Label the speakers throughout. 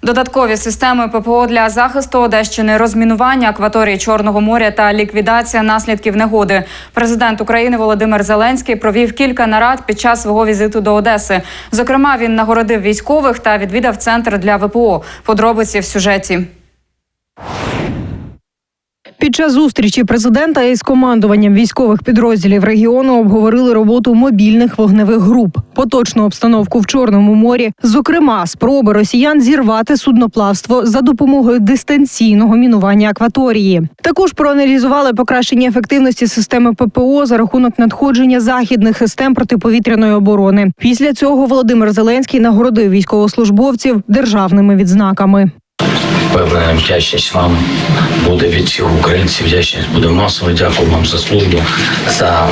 Speaker 1: Додаткові системи ППО для захисту Одещини, розмінування акваторії Чорного моря та ліквідація наслідків негоди. Президент України Володимир Зеленський провів кілька нарад під час свого візиту до Одеси. Зокрема, він нагородив військових та відвідав центр для ВПО. Подробиці в сюжеті.
Speaker 2: Під час зустрічі президента із командуванням військових підрозділів регіону обговорили роботу мобільних вогневих груп, поточну обстановку в Чорному морі, зокрема, спроби росіян зірвати судноплавство за допомогою дистанційного мінування акваторії. Також проаналізували покращення ефективності системи ППО за рахунок надходження західних систем протиповітряної оборони. Після цього Володимир Зеленський нагородив військовослужбовців державними відзнаками.
Speaker 3: Впевнений, вдячність вам буде від всіх українців, вдячність буде масово. Дякую вам за службу, за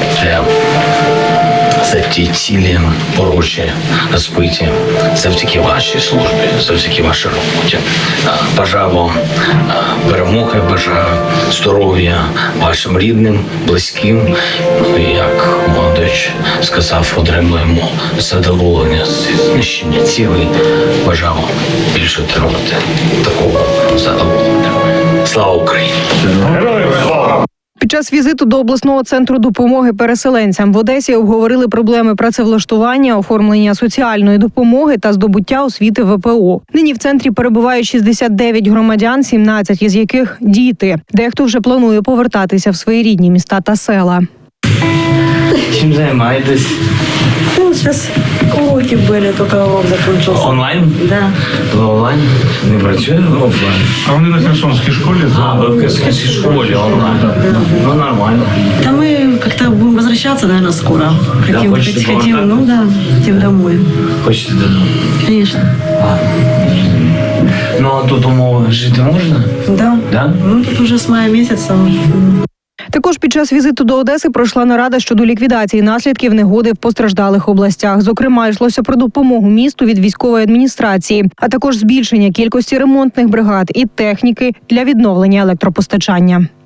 Speaker 3: ті цілі порочі, розбиті. Завдяки вашій службі, завдяки вашій роботі. Бажаю вам перемоги, бажаю здоров'я вашим рідним, близьким. Як Молодич сказав, отримуємо задоволення з знищення цілей. Бажаю вам більше отримати такого задоволення. Слава Україні! Героям слава!
Speaker 2: Під час візиту до обласного центру допомоги переселенцям в Одесі обговорили проблеми працевлаштування, оформлення соціальної допомоги та здобуття освіти ВПО. Нині в центрі перебувають 69 громадян, 17 із яких – діти. Дехто вже планує повертатися в свої рідні міста та села.
Speaker 3: Чим займаєтесь?
Speaker 4: Сейчас уроки были, только урок закончился.
Speaker 3: Онлайн?
Speaker 4: Да.
Speaker 3: Онлайн? Не працює офлайн?
Speaker 5: А вони на Херсонській школі?
Speaker 3: В Херсонській школі онлайн. Ну, нормально.
Speaker 4: Да мы как-то будем возвращаться, наверное, скоро. Хотим,
Speaker 3: хочете
Speaker 4: хотим,
Speaker 3: повертаться?
Speaker 4: ну да, хотим домой.
Speaker 3: Хочете додому?
Speaker 4: Конечно.
Speaker 3: Ну, а тут умови жити можна?
Speaker 4: Да.
Speaker 3: Да?
Speaker 4: Ну, тут уже с мая месяца.
Speaker 2: Також під час візиту до Одеси пройшла нарада щодо ліквідації наслідків негоди в постраждалих областях. Зокрема, йшлося про допомогу місту від військової адміністрації, а також збільшення кількості ремонтних бригад і техніки для відновлення електропостачання.